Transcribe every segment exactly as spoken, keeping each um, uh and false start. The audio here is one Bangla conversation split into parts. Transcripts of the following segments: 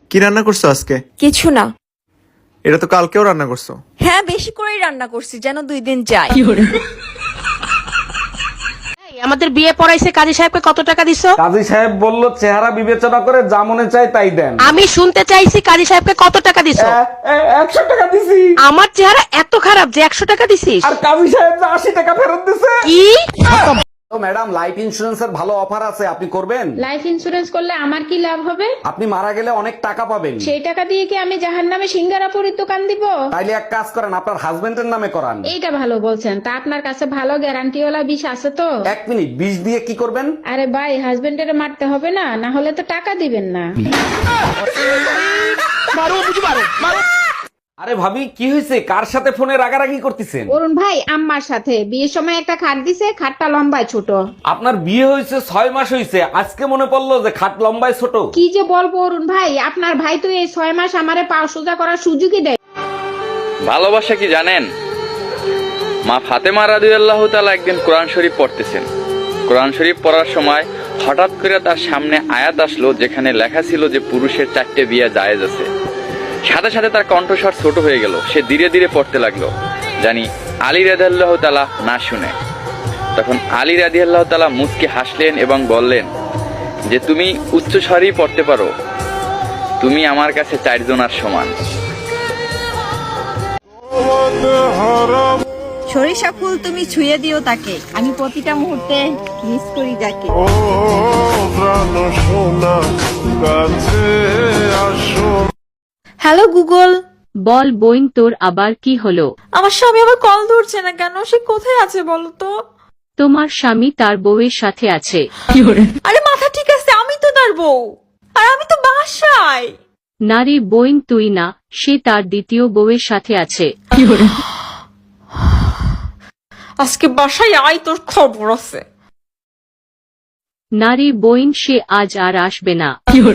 কি রান্না করছো আজকে? কিছু না। এটা তো কালকেও রান্না করছো। হ্যাঁ, বেশি করেই রান্না করছি যেন দুই দিন যায়। আমাদের বিয়ে পড়াইছে কাজী সাহেবকে কত টাকা দিছো? কাজী সাহেব বলল চেহারা বিবেচনা করে যা মনে চায় তাই দেন। আমি শুনতে চাইছি কাজী সাহেবকে কত টাকা দিছো? একশো টাকা দিছি। আমার চেহারা এত খারাপ যে একশো টাকা দিছিস? আর কাজী সাহেব যে আশি টাকা ফেরত দিছে। কি? তো ম্যাডাম, লাইফ ইন্সুরেন্সের ভালো অফার আছে, আপনি করবেন? লাইফ ইন্সুরেন্স করলে আমার কি লাভ হবে? আপনি মারা গেলে অনেক টাকা পাবেন। সেই টাকা দিয়ে কি আমি জাহান্নামে সিঙ্গারাপুরীর দোকান দিব? তাইলে এক কাজ করেন, আপনার হাজবেন্ডের নামে করান। এইটা ভালো বলছেন। তা আপনার কাছে ভালো গ্যারান্টিওয়ালা বিষ আছে তো? এক মিনিট, বিষ দিয়ে কি করবেন? আরে ভাই, হাজবেন্ডের মারতে হবে না, না হলে তো টাকা দিবেন না। আরে ভাবি, কি হয়েছে? কার সাথে ফোনে রাগারাগি করতেছেন? অরুণ ভাই আম্মার সাথে বিয়ের সময় একটা খাট দিছে, খাটটা লম্বায় ছোট। আপনার বিয়ে হয়েছে ছয় মাস হয়েছে, আজকে মনে পড়লো যে খাট লম্বায় ছোট। কি যে বলবো অরুণ ভাই, আপনার ভাই তো এই ছয় মাস আমারে পা সোজা করার সুযোগই দেয়। ভালোবাসা কি জানেন? মা ফাতেমা রাদিয়াল্লাহু তাআলা একদিন কোরআন শরীফ পড়তেছেন। কোরআন শরীফ পড়ার সময় হঠাৎ করে তার সামনে আয়াত আসলো যেখানে লেখা ছিল যে পুরুষের চারটে বিয়ে জায়েজ আছে। সাথে সাথে তার কণ্ঠস্বর ছোট হয়ে গেল, সে ধীরে ধীরে পড়তে লাগলো, জানি আলী রাদিয়াল্লাহু তাআলা না শুনে। তখন আলী রাদিয়াল্লাহু তাআলা মুচকি হাসলেন এবং বললেন যে তুমি উচ্চ স্বরেই পড়তে পারো, তুমি আমার কাছে চারজনার সমান। সরিষা ফুল তুমি ছুঁয়ে দিও তাকে, আমি প্রতিটা মুহূর্তে মিস করি যাকে। Hello Google. বল বইন, তোর আবার কি হলো? আমার স্বামী আবার কল ধরছে না কেন? সে কোথায় আছে বলো তো? তোমার স্বামী তার বউয়ের সাথে আছে। আরে মাথা ঠিক আছে, আমি তো তার বউ, আর আমি তো বাসায়। নারী বইন তুই না, সে তার দ্বিতীয় বউয়ের সাথে আছে। আজকে বাসায় আয়, তোর খবর আছে। নারী বইন, সে আজ আর আসবে না।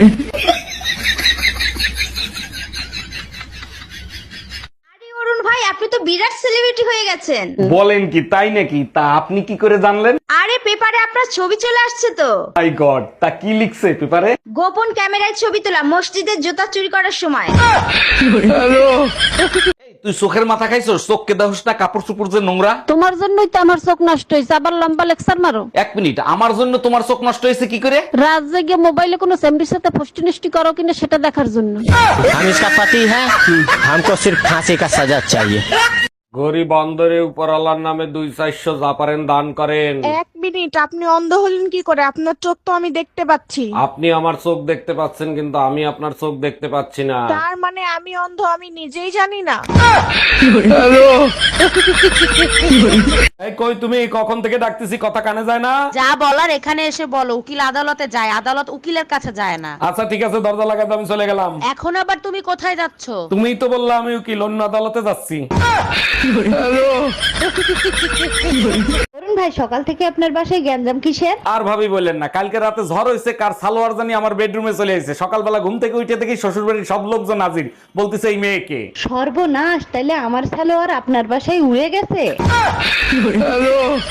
অরুণ ভাই, আপনি তো বিরাট সেলিব্রিটি হয়ে গেছেন। বলেন কি, তাই নাকি? তা আপনি কি করে জানলেন? আরে পেপারে আপনার ছবি চলে আসছে তো। মাই গড, তা কি লিখছে পেপারে? গোপন ক্যামেরায় ছবি তোলা মসজিদের জুতা চুরি করার সময়। তুই চোখের মাথা খাইছস? চোখকে দেখোস না কাপড় চুপড় যে নোংরা? তোমার জন্যই তো আমার চোখ নষ্ট হয়েছে, আবার লম্বা লেকচার মারো। এক মিনিট, আমার জন্য তোমার চোখ নষ্ট হয়েছে কি করে? রাত জেগে মোবাইলে কোনো সেমরির সাথে ফষ্টি নষ্টি করো কিনা সেটা দেখার জন্য। हम इसका पति है, हमको सिर्फ फांसी का सजा चाहिए। গরিব অন্ধরে উপরওয়ালার নামে দুই চারশো যা পারেন দান করেন। এক মিনিট, আপনি অন্ধ হলেন কি করে? আপনার চোখ তো আমি দেখতে পাচ্ছি। আপনি আমার চোখ দেখতে পাচ্ছেন, কিন্তু আমি আপনার চোখ দেখতে পাচ্ছি না। তার মানে আমি অন্ধ, আমি নিজেই জানি না। এই কই তুমি? কখন থেকে ডাকতেছি, কথা কানে যায় না? যা বলার এখানে এসে বলো। উকিল আদালতে যায়, আদালত উকিলের কাছে যায় না। আচ্ছা ঠিক আছে, দরজা লাগাতে আমি চলে গেলাম। এখন আবার তুমি কোথায় যাচ্ছ? তুমিই তো বললা আমি উকিল, অন্য আদালতে যাচ্ছি। অরুণ ভাই, সকাল থেকে আপনার বাসায় গ্যাঞ্জাম কিসের? আর ভাবি বললেন না, কালকে রাতে ঝড় হয়েছে, কার সালোয়ার জানি আমার বেডরুমে চলে এসেছে। সকালবেলা ঘুম থেকে উঠে দেখি শ্বশুর বাড়ির সব লোকজন হাজির, বলতেছে এই মেয়েকে। সর্বনাশ, তাইলে আমার সালোয়ার আপনার বাসায় উড়ে গেছে।